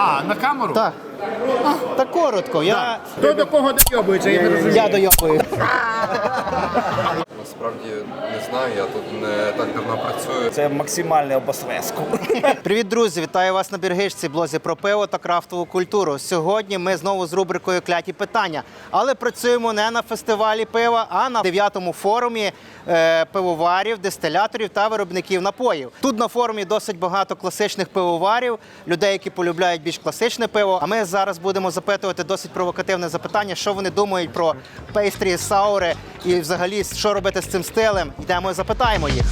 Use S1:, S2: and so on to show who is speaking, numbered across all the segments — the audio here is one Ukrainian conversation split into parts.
S1: А, на камеру?
S2: Так. Так коротко.
S1: Хто до кого дойобується, я не розумію.
S2: Я дойобую.
S3: Насправді не знаю, я тут не так давно працюю.
S4: Це максимальне обосвеску.
S2: Привіт, друзі! Вітаю вас на Біргичці, блозі про пиво та крафтову культуру. Сьогодні ми знову з рубрикою «Кляті питання». Але працюємо не на фестивалі пива, а на 9-му форумі пивоварів, дистиляторів та виробників напоїв. Тут на форумі досить багато класичних пивоварів, людей, які полюбляють більш класичне пиво. А ми зараз будемо запитувати досить провокативне запитання, що вони думають про пейстрі, саури і взагалі, що робити з цим стилем. Йдемо і запитаємо їх.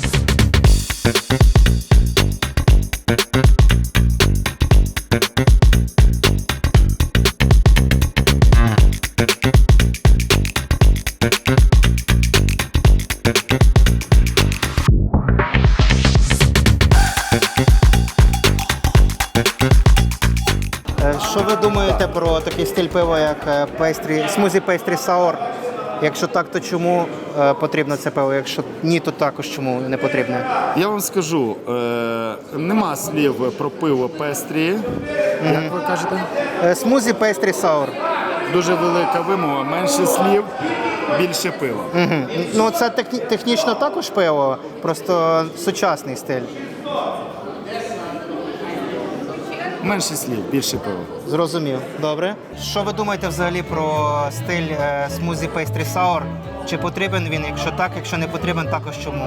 S2: Що ви думаєте про такий стиль пива, як смузі пейстрі саур? Якщо так, то чому потрібно це пиво? Якщо ні, то також чому не потрібно?
S1: Я вам скажу, нема слів про пиво пестрі, як ви кажете?
S2: Смузі пейстрі саур.
S1: Дуже велика вимога, менше слів, більше пива.
S2: Ну, це технічно також пиво, просто сучасний стиль.
S1: Менше слів, більше пива.
S2: Зрозумів. Добре. Що ви думаєте взагалі про стиль смузі пейстрі саур? Чи потрібен він? Якщо так, якщо не потрібен, також чому?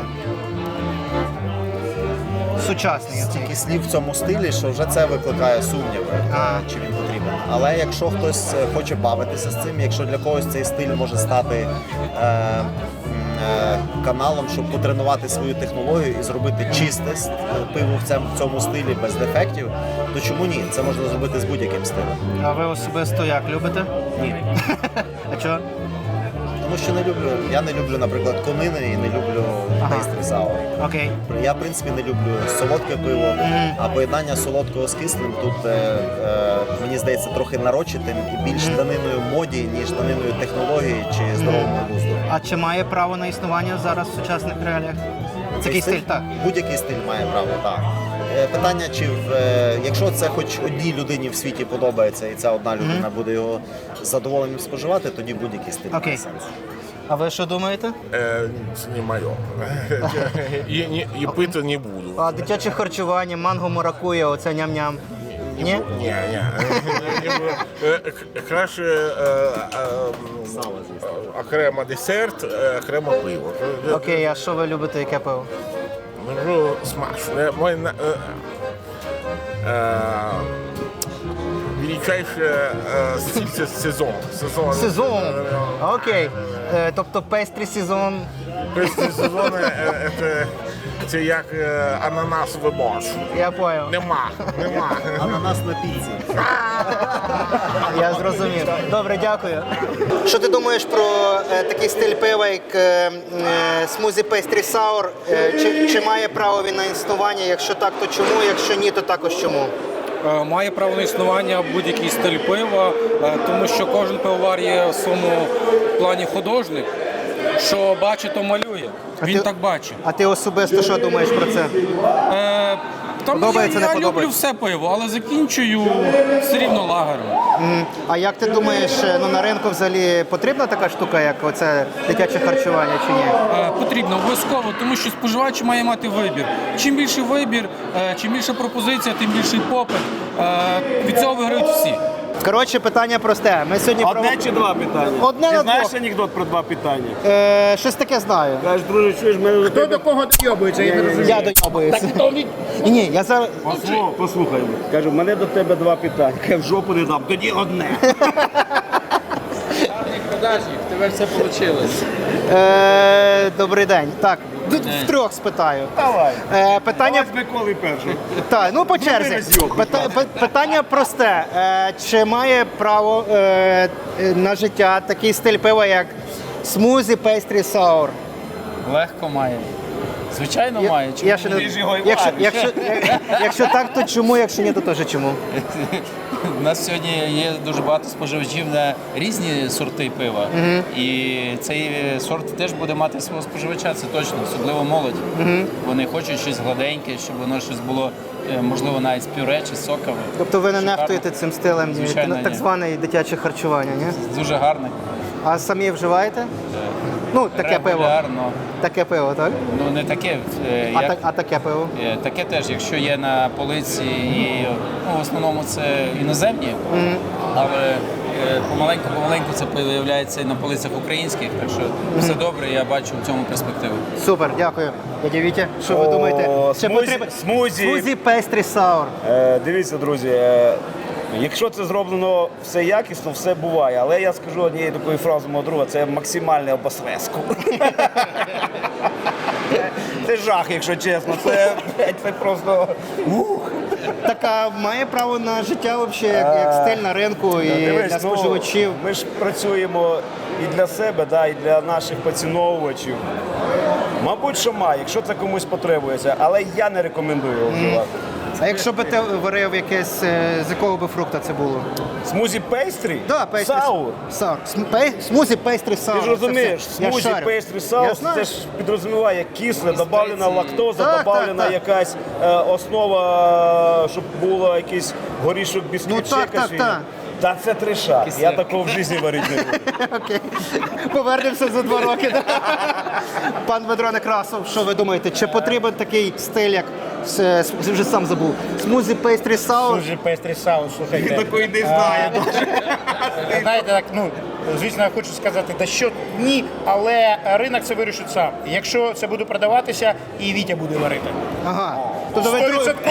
S2: Сучасний.
S4: Стільки слів в цьому стилі, що вже це викликає сумніви, чи він потрібен. Але якщо хтось хоче бавитися з цим, якщо для когось цей стиль може стати каналом, щоб потренувати свою технологію і зробити чисте пиво в цьому стилі без дефектів, то чому ні? Це можна зробити з будь-яким стилем.
S2: А ви особисто як, любите?
S4: Ні.
S2: А чого?
S4: Тому що я не люблю, наприклад, конини і не люблю пейстрі саур.
S2: Окей.
S4: Я, в принципі, не люблю солодке пиво, а поєднання солодкого з кислим тут, мені здається, трохи нарочитим і більш даниною моді, ніж даниною технології чи здоровому глузду.
S2: А чи має право на існування зараз в сучасних реаліях? Такий стиль, так.
S4: Будь-який стиль має право, так. Питання, якщо це хоч одній людині в світі подобається, і ця одна людина буде його з задоволенням споживати, тоді будь-який стиль має сенс.
S2: А ви що думаєте?
S5: Це не моє. І пити не буду.
S2: А дитяче харчування, манго, маракуя, оце ням-ням. Ні?
S5: Ні. Краще окремо десерт, окремо пиво.
S2: Окей, а що ви любите, яке пиво?
S5: Ну, смачно. Мой величайший стиль – це сезон.
S2: Сезон. Окей. Тобто пейстрі сезон.
S5: Пейстрі сезон – це як ананасовий борщ.
S2: Я понял.
S5: Нема.
S4: Ананас на піці.
S2: Я зрозумів. Добре, дякую. Що ти думаєш про такий стиль пива, як смузі пейстрі саур? Чи має право він на існування? Якщо так, то чому? Якщо ні, то також чому?
S6: Має право на існування будь-який стиль пива, тому що кожен пивовар є в своєму плані художник. Що бачить, то малює. Він так бачить.
S2: А ти особисто що думаєш про це? Подобається, не
S6: я люблю
S2: подобається?
S6: все пиво, але закінчую все рівно лагером.
S2: А як ти думаєш, на ринку взагалі потрібна така штука, як оце дитяче харчування, чи ні?
S6: Потрібно, обов'язково, тому що споживач має мати вибір. Чим більший вибір, чим більша пропозиція, тим більший попит. Від цього виграють всі.
S2: Коротше, питання просте. Ми сьогодні
S1: Одне чи два питання?
S2: Одне
S1: Ти
S2: на
S1: знаєш
S2: двох.
S1: анекдот про два питання?
S2: Щось таке знаю.
S1: Кажеш, друже, чуєш, мене хто до кого дойобується, я не розумію.
S2: Я дойобуюся. Ні, я зараз...
S1: Послухай, кажу, в мене до тебе два питання. Я в жопу не дам, тоді одне.
S7: Продажник, в тебе все вийшло.
S2: Добрий день. Так, втрьох спитаю.
S1: Давай.
S2: Питання...
S1: Миколи перший.
S2: Так, ну по черзі. Питання просте. Чи має право на життя такий стиль пива, як смузі пейстрі саур?
S7: Легко має. Звичайно має. Чому?
S2: Я ще не... Якщо так, то чому? Якщо ні, то теж чому?
S7: У нас сьогодні є дуже багато споживачів на різні сорти пива. І цей сорт теж буде мати свого споживача, це точно, особливо молодь. Вони хочуть щось гладеньке, щоб воно щось було можливо, навіть з пюре чи з соками.
S2: Тобто ви не
S7: Шикарно.
S2: нехтуєте цим стилем,
S7: Звичайно,
S2: так
S7: ні.
S2: зване дитяче харчування, ні?
S7: Дуже гарний.
S2: А самі вживаєте? Ну, таке пиво.
S7: Регулярно.
S2: Таке пиво, так?
S7: Ну, не таке,
S2: А таке пиво?
S7: таке теж, якщо є на полиці, і в основному це іноземні, але помаленьку це з'являється і на полицях українських, так що все добре, я бачу в цьому перспективу.
S2: Супер, дякую. Дядя Вітя, що ви думаєте? Чи потрібен смузі пестрі саур?
S8: Дивіться, друзі, якщо це зроблено все якісно, все буває. Але я скажу однією такою фразою мого друга, це максимальне обосвеску. Це жах, якщо чесно. Це просто...
S2: Така має право на життя взагалі, як стиль на ринку і
S8: Дивись,
S2: для споживачів.
S8: ми ж працюємо і для себе, да, і для наших поціновувачів. Мабуть, що має, якщо це комусь потребується, але я не рекомендую його вживати.
S2: А якщо би ти варив якесь, з якого би фрукта це було?
S8: Смузі пейстрі?
S2: Да, пейстрі.
S8: Саур.
S2: Саур. Смузі пейстрі саур.
S8: Ти ж розумієш,
S2: Це все. Я
S8: смузі
S2: шарю.
S8: пейстрі
S2: Я
S8: саус,
S2: знаю.
S8: це ж підрозуміває кисле, додавлена лактоза,
S2: Так,
S8: додавлена
S2: так.
S8: якась основа, щоб було якийсь горішок бісквіт,
S2: Ну,
S8: ще
S2: так,
S8: якась
S2: так, так.
S8: Та це триша. Я такого в житті варити не буду.
S2: Окей. Повернемося за 2 роки. Да? Пан Дмитро Некрасов, що ви думаєте, чи потрібен такий стиль, як вже сам забув, смузі пейстрі саур?
S9: Дуже пестрий саус, слухайте.
S8: Такої не знаю.
S9: Знаєте, так, ну, звісно, я хочу сказати, та що ні, але ринок це вирішить сам. Якщо це буде продаватися, і Вітя буде варити.
S2: Ага. Тобто ви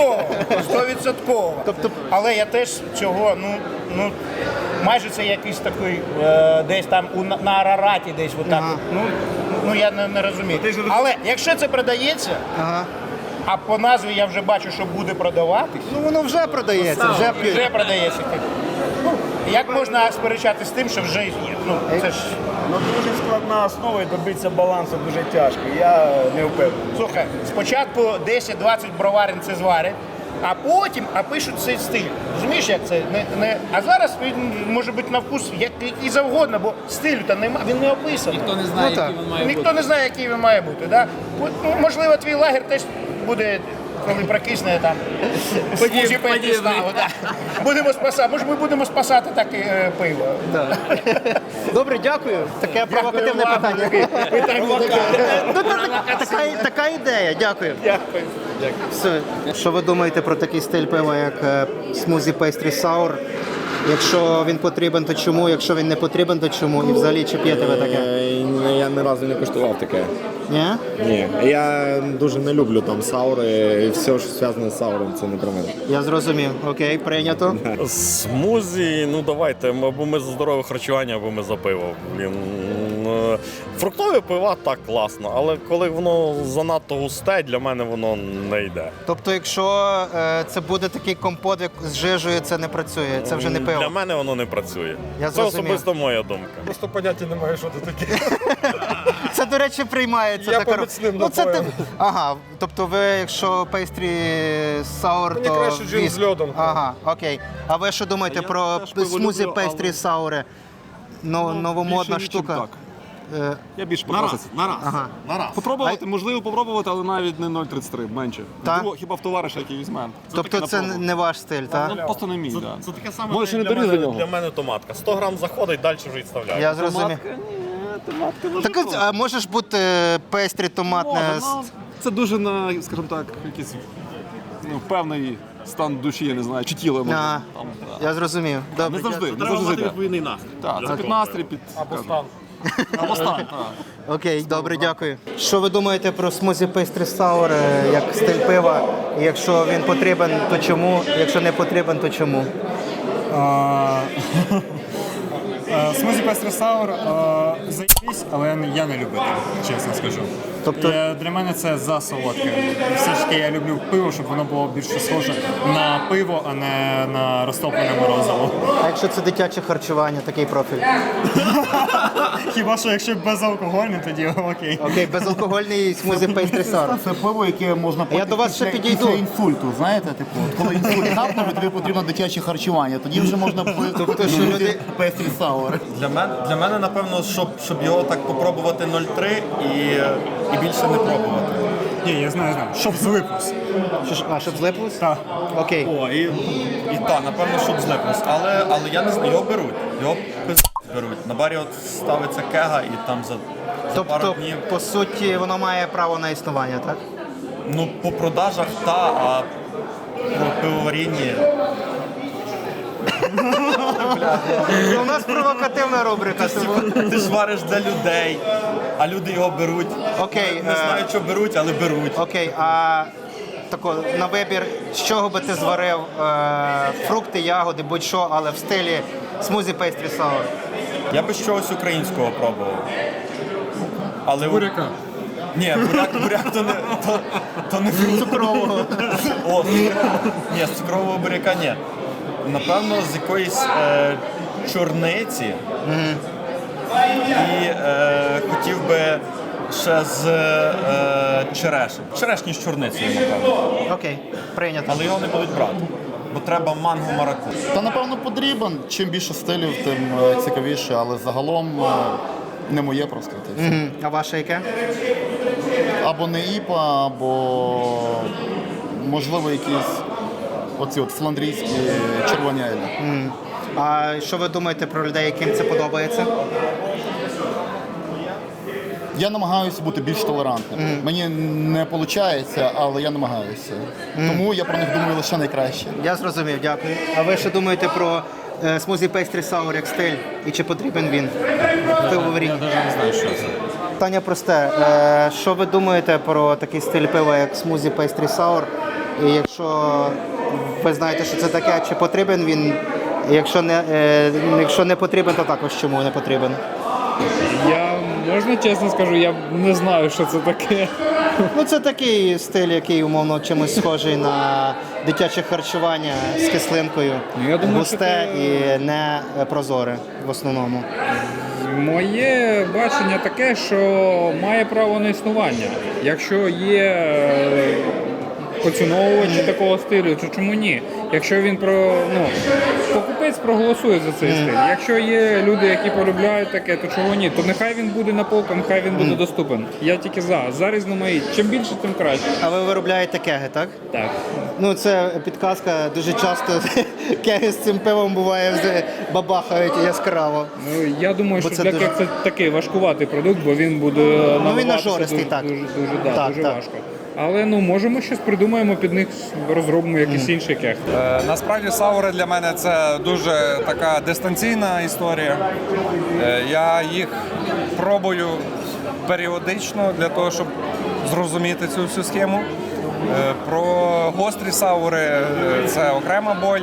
S9: 100%.
S2: Тобто-
S9: Але я теж цього, ну, майже це якийсь такий, десь там на Арараті, десь отак.
S2: Ага.
S9: Ну, я не розумію. Але якщо це продається,
S2: Ага.
S9: а по назві я вже бачу, що буде продаватись,
S2: Ну воно вже продається, вже п'ють.
S9: вже продається. Ну, як можна сперечати з тим, що вже є? Ну, це ж,
S8: Ну, дуже складна основа і добитися балансу дуже тяжко. Я не впевнений.
S9: слухай, спочатку 10-20 броварень це зварять, а потім пишуть цей стиль. Розумієш, як це? А зараз він може бути на вкус який завгодно, бо стилю-то немає, він не описаний.
S7: Ніхто не знає,
S2: Ну, так.
S7: який він має
S9: Ніхто
S7: бути.
S9: не знає, який він має бути. Да? Ну, можливо, твій лагер теж буде, коли прокисне там. Смузі пейстрі саур, да. Будемо спасати. Може, ми будемо спасати так пиво.
S2: Да. Добре, дякую. Таке провокативне
S9: вам.
S2: питання. Ну, така ідея, дякую.
S9: Дякую.
S2: Все. Що ви думаєте про такий стиль пива, як смузі пейстрі саур? Якщо він потрібен, то чому? Якщо він не потрібен, то чому? І взагалі, чи п'єте ви таке?
S1: Я ні разу не куштував таке.
S2: Ні?
S1: Ні, я дуже не люблю там саури, і все, що зв'язане з сауром, це не про мене.
S2: Я зрозумів. Окей, прийнято.
S10: Смузі, ну давайте, або ми за здорове харчування, або ми за пиво. Блін. Фруктові пива так класно, але коли воно занадто густе, для мене воно не йде.
S2: Тобто, якщо це буде такий компот як з жижею, це не працює, це вже не
S10: Для
S2: пиво.
S10: мене воно не працює.
S2: Я
S10: Це
S2: зрозумів.
S10: особисто моя думка.
S5: Просто поняття немає, що це таке.
S2: Це, до речі, приймається.
S5: Я
S2: така
S5: по міцним
S2: Ну, це
S5: напоям.
S2: Ага, тобто ви, якщо пейстрі саур,
S5: Мені
S2: то
S5: краще джин
S2: віск.
S5: з льодом.
S2: Ага, окей. А ви що думаєте про смузі пейстрі саури? Новомодна штука.
S11: Я більше
S1: На раз,
S11: покласти.
S1: на раз.
S2: Ага.
S1: На раз.
S11: Попробувати, можливо, попробувати, але навіть не 0,33, менше.
S2: Так?
S11: Можливо, хіба в товариша, який візьме.
S2: Тобто це не ваш стиль, так?
S11: Ну, просто не мій, так.
S10: Це таке саме,
S11: Може, ще не
S10: для
S11: доріс
S10: мене,
S11: до нього.
S10: для мене томатка. 100 грам заходить, далі вже відставляю.
S2: Я зрозумів. Так, а може ж бути пейстрі томатне?
S11: Це дуже на, скажімо так, якийсь певний стан душі, я не знаю, чи тіла може.
S2: Ага.
S11: Там, да.
S2: Я зрозумів. Добре.
S11: Не завжди, не
S1: Треба
S11: завжди
S1: мати
S11: зайде.
S1: відповідний настрій.
S11: Так, це під настрій, під...
S9: Або стан.
S11: Або стан, так.
S2: Окей, добре, дякую. Що ви думаєте про смузі пейстрі саур як стиль пива? І якщо він потрібен, то чому? Якщо не потрібен, то чому?
S12: Смузі пестрі саур заєбісь, але я не люблю, чесно скажу.
S2: Тобто-
S12: Для мене це засолодке. Все ж таки я люблю пиво, щоб воно було більше схоже на пиво, а не на розтоплене морозиво.
S2: А якщо це дитяче харчування, такий профіль?
S12: Хіба що якщо безалкогольне, тоді окей.
S2: Окей, безалкогольний смузі пейстрі саур.
S4: Це пиво, яке можна
S2: Я до вас ще підійду.
S4: інсульту, знаєте, типу, от коли інсульт гапнув, тобі потрібно дитяче харчування, тоді вже можна
S2: Тобто, що люди-
S4: пестрі саури.
S3: Для мене, напевно, щоб його так попробувати 0,3 і більше не пробувати.
S12: Ні, я знаю. Щоб злиплось.
S2: Щоб злиплось?
S12: Так.
S2: Окей.
S10: О, і так, напевно, щоб злиплось. Але я не знаю, його беруть. Його беруть. На барі от ставиться кега і там за пару
S2: Тобто,
S10: днів.
S2: по суті, воно має право на існування, так?
S10: Ну, по продажах а по пивоварінні.
S2: У нас провокативна рубрика.
S10: Ти ж вариш для людей, а люди його беруть.
S2: Окей.
S10: Не знаю, що беруть, але беруть.
S2: Окей, а тако, на вибір, з чого би ти зварив фрукти, ягоди, будь-що, але в стилі смузі пейстрі саур?
S10: Я би щось українського пробував. Але
S12: Буряка.
S10: Ні, буряк то не фрукт.
S2: Цукрового.
S10: О, ні, з цукрового буряка ні. Напевно, з якоїсь чорниці. І хотів би ще з черешні. Черешні з чорницею, напевно.
S2: Окей, прийнято.
S10: Але його не будуть брати, бо треба манго мараку.
S13: Та напевно потрібен. Чим більше стилів, тим цікавіше, але загалом не моє просто.
S2: А ваше яке?
S13: Або не іпа, або можливо якісь оці от фландрійські червоні елі.
S2: А що ви думаєте про людей, яким це подобається?
S13: Я намагаюся бути більш толерантним. Мені не виходить, але я намагаюся. Тому я про них думаю лише найкраще.
S2: Я зрозумів, дякую. А ви що думаєте про смузі пейстрі саур як стиль? І чи потрібен він? Я
S6: навіть не знаю, що це.
S2: Питання просте. Що ви думаєте про такий стиль пива, як смузі пейстрі саур? І якщо ви знаєте, що це таке, чи потрібен він? Якщо не потрібен, то також чому не потрібен?
S6: Можна чесно скажу, я не знаю, що це таке.
S2: Ну, це такий стиль, який, умовно, чимось схожий на дитяче харчування з кислинкою.
S6: Я думаю,
S2: густе
S6: що
S2: і не прозоре в основному.
S6: Моє бачення таке, що має право на існування. Якщо є поціновувачі такого стилю, то чому ні? Якщо він покупець проголосує за цей стиль. Якщо є люди, які полюбляють таке, то чого ні? То нехай він буде на полках, нехай він буде доступен. Я тільки за різноманітність. Чим більше, тим краще.
S2: А ви виробляєте кеги, так?
S6: Так.
S2: Ну, це підказка. Дуже часто кеги з цим пивом буває бабахають яскраво.
S6: Ну, я думаю,
S2: Бо
S6: що
S2: це
S6: для
S2: дуже-
S6: кег це такий важкуватий продукт, бо він буде
S2: він
S6: наливатися
S2: нажористий, так.
S6: дуже важко. Але можемо щось придумаємо під них, розробимо якийсь інший кег.
S3: Насправді саури для мене це дуже така дистанційна історія. Я їх пробую періодично для того, щоб зрозуміти цю всю схему. Про гострі саури це окрема боль.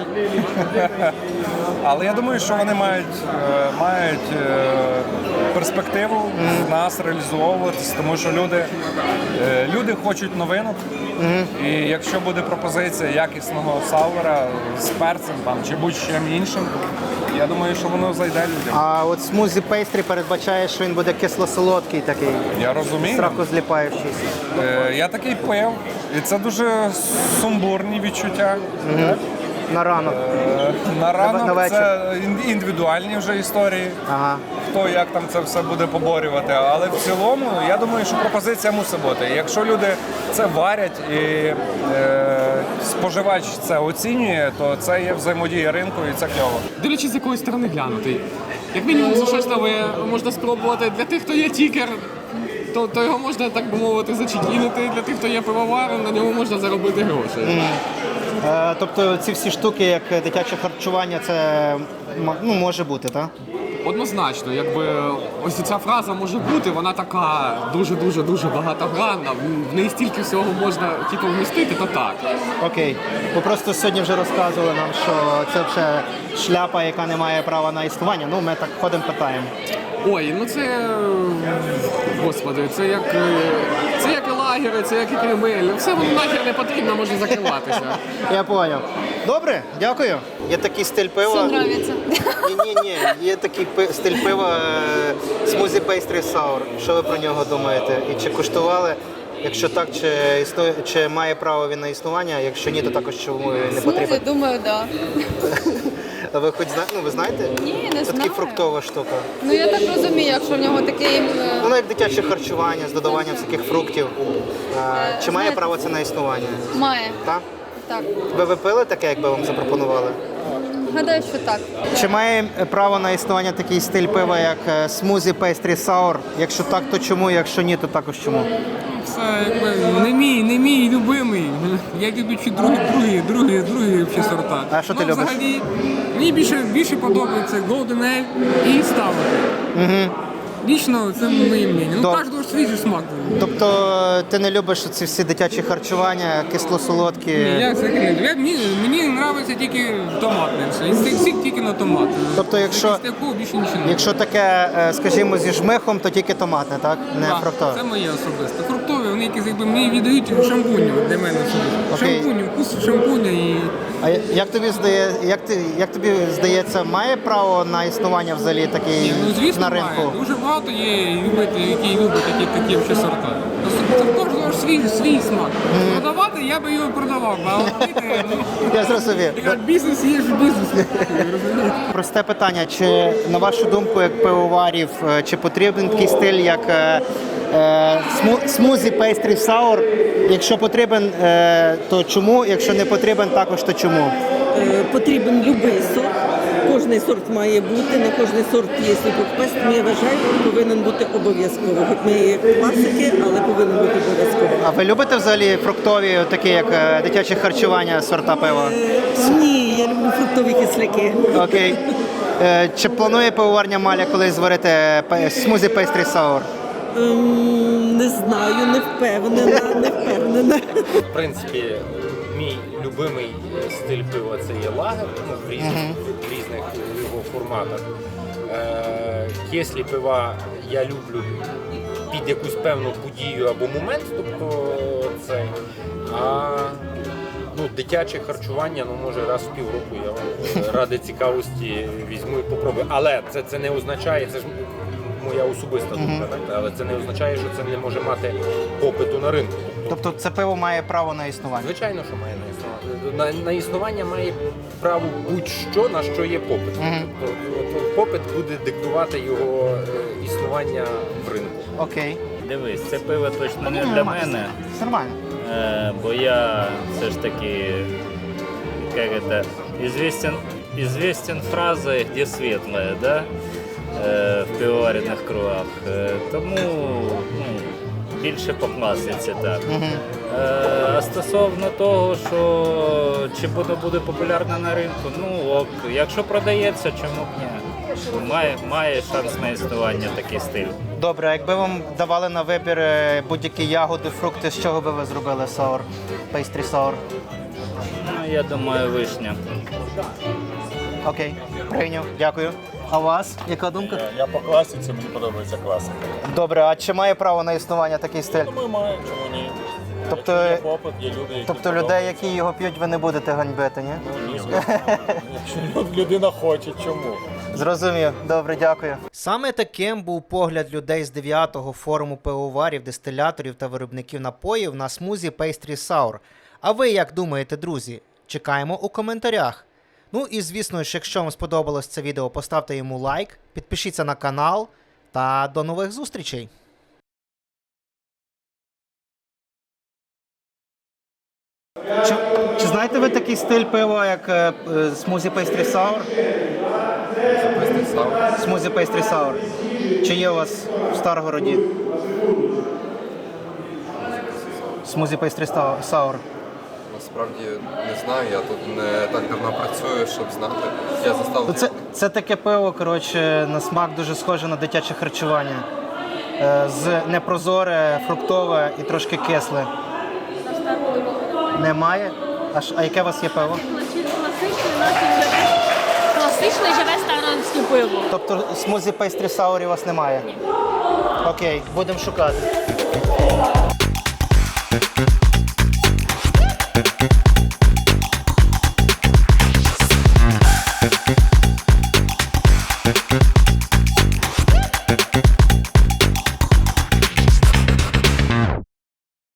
S3: Але я думаю, що вони мають перспективу в нас реалізовуватися, тому що люди хочуть новинок. І якщо буде пропозиція якісного саура з перцем чи будь-чим іншим, я думаю, що воно зайде людям.
S2: А от смузі пейстрі передбачає, що він буде кисло-солодкий такий.
S3: Я розумію.
S2: Страху зліпаючийся.
S3: Я такий пив, і це дуже сумбурні відчуття.
S2: На ранок.
S3: На ранок
S2: на вечір.
S3: це індивідуальні вже історії.
S2: Ага.
S3: Хто як там це все буде поборювати. Але в цілому, я думаю, що пропозиція мусить бути. Якщо люди це варять і споживач це оцінює, то це є взаємодія ринку і це кльово.
S14: Дивлячись, з якої сторони глянути. Як мінімум, за щось нове можна спробувати. Для тих, хто є тікер, то його можна, так би мовити, зачекінити. Для тих, хто є пивоваром, на ньому можна заробити гроші.
S2: Тобто ці всі штуки, як дитяче харчування, це може бути, так?
S14: Однозначно, якби ось ця фраза може бути, вона така дуже багатогранна, в неї стільки всього можна вмістити, то так.
S2: Окей. Ви просто сьогодні вже розказували нам, що це вже шляпа, яка не має права на існування. Ну, ми так ходимо, питаємо.
S14: Ой, господи, це як і лагери, це як і Кремль. Все воно нахер не потрібно, може закриватися.
S2: Я поняв. Добре, дякую. Є такий стиль пива.
S15: Все нравится.
S2: Ні. Є такий стиль пива смузі пейстрі саур. Що ви про нього думаєте? І чи куштували? Якщо так, чи має право він на існування? Якщо ні, то також чому він не потрібен?
S15: Думаю, да.
S2: А ви хоч ви знаєте?
S15: Ні, не
S2: Це
S15: знаю.
S2: така фруктова штука.
S15: Ну я так розумію, якщо в нього такий...
S2: Воно як дитяче харчування з додаванням всяких фруктів. Чи має право це на існування?
S15: Має.
S2: Так?
S15: Так.
S2: Ви пили таке, якби вам запропонували?
S15: Гадаю, що так.
S2: Чи має право на існування такий стиль пива, як смузі пейстрі саур? Якщо так, то чому? Якщо ні, то також чому?
S14: Це якби не мій любимий. Я люблю чи другі сорта.
S2: А що ти любиш?
S14: Взагалі, мені більше подобається Golden Ale і Stout.
S2: Угу.
S14: Лічно це моє мнення. Ну,
S2: Доб-
S14: кожного свій же смак.
S2: Тобто ти не любиш ці всі дитячі харчування, кисло-солодкі?
S14: Ні, я взагалі не люблю. Мені подобається тільки томатне все. Із цих всіх тільки на томат.
S2: Тобто, якщо,
S14: Такого більше нічого не
S2: якщо таке, скажімо, зі жмихом, то тільки томатне, так? Не
S14: Так,
S2: фруктове?
S14: це моє особисте. Фруктові, вони якісь якби мені віддають шампуню для мене особисто.
S2: Окей.
S14: Шампуню, вкус шампуня і
S2: А як тобі здається, має право на існування взагалі такий
S14: ну, звісно,
S2: на ринку?
S14: має. Дуже багато є любителів, які люблять такі вже сорта. Це в кожного ж свій смак. Продавати я би його продавав, а пити,
S2: Я зрозумів.
S14: як бізнес є ж бізнес. Розумієте?
S2: Просте питання, чи на вашу думку, як пивоварів, чи потрібен такий стиль, як смузі пейстрі саур? Якщо потрібен, то чому? Якщо не потрібен, також то чому?
S16: Потрібен будь-який сорт. Кожний сорт має бути, на кожний сорт є свій предпис, тому я вважаю, повинен бути обов'язково. Хоч ми є класики, але повинен бути обов'язково.
S2: А ви любите взагалі фруктові, такі як дитяче харчування, сорта пива?
S16: Ні, я люблю фруктові кисляки.
S2: Окей. Чи планує пивоварня Маля колись зварити смузі пейстрі саур?
S16: Не знаю, не впевнена.
S17: В принципі, мій любимий стиль пива це є лагер, в різних його форматах. Кислі пива я люблю під якусь певну подію або момент, тобто це. А дитяче харчування, може раз в півроку я вам ради цікавості візьму і попробую. Але це не означає, це ж моя особиста думка, так? Але це не означає, що це не може мати попиту на ринку.
S2: Тобто це пиво має право на існування?
S17: Звичайно, що має на існування. На існування має право будь-що, на що є попит. Тобто попит буде диктувати його існування в ринку.
S2: Окей.
S18: Дивись, це пиво точно не для мене.
S2: Нормально.
S18: Бо я все ж таки, як це, известен фразой «где светлое», да? В пивоваренных кругах. Тому більше по класиці так. А стосовно того, що чи буде популярно на ринку, якщо продається, чому б ні? Має шанс на існування такий стиль.
S2: Добре, а якби вам давали на вибір будь-які ягоди, фрукти, з чого би ви зробили саур, пейстрі саур?
S18: Я думаю, вишня.
S2: Окей, прийняв, дякую. А у вас яка думка?
S10: Я по класиці, мені подобається класика.
S2: Добре, а чи має право на існування такий стиль?
S10: Думаю, має, чому ні?
S2: Тобто,
S10: Є попит, є люди, які
S2: тобто людей, які його п'ють, ви не будете ганьбити, ні?
S10: Ні, якщо людина хоче, чому?
S2: Зрозумів. Добре, дякую. Саме таким був погляд людей з 9-го форуму пивоварів, дистиляторів та виробників напоїв на смузі Pastry Sour. А ви як думаєте, друзі? Чекаємо у коментарях. Ну і звісно, якщо вам сподобалось це відео, поставте йому лайк, підпишіться на канал та до нових зустрічей. Чи знаєте ви такий стиль пива, як смузі Pastry Sour? Смузі Pastry Sour. Чи є у вас в Старгороді? Смузі Pastry Sour.
S19: Насправді не знаю, я тут не так давно працюю, щоб знати. Я застав...
S2: Це таке пиво, коротше, на смак дуже схоже на дитяче харчування. З непрозоре, фруктове і трошки кисле. Немає? А яке у вас є пиво?
S20: Класичне живе старонське пиво.
S2: Тобто смузі Pastry Sour у вас немає? Ні. Окей, будемо шукати.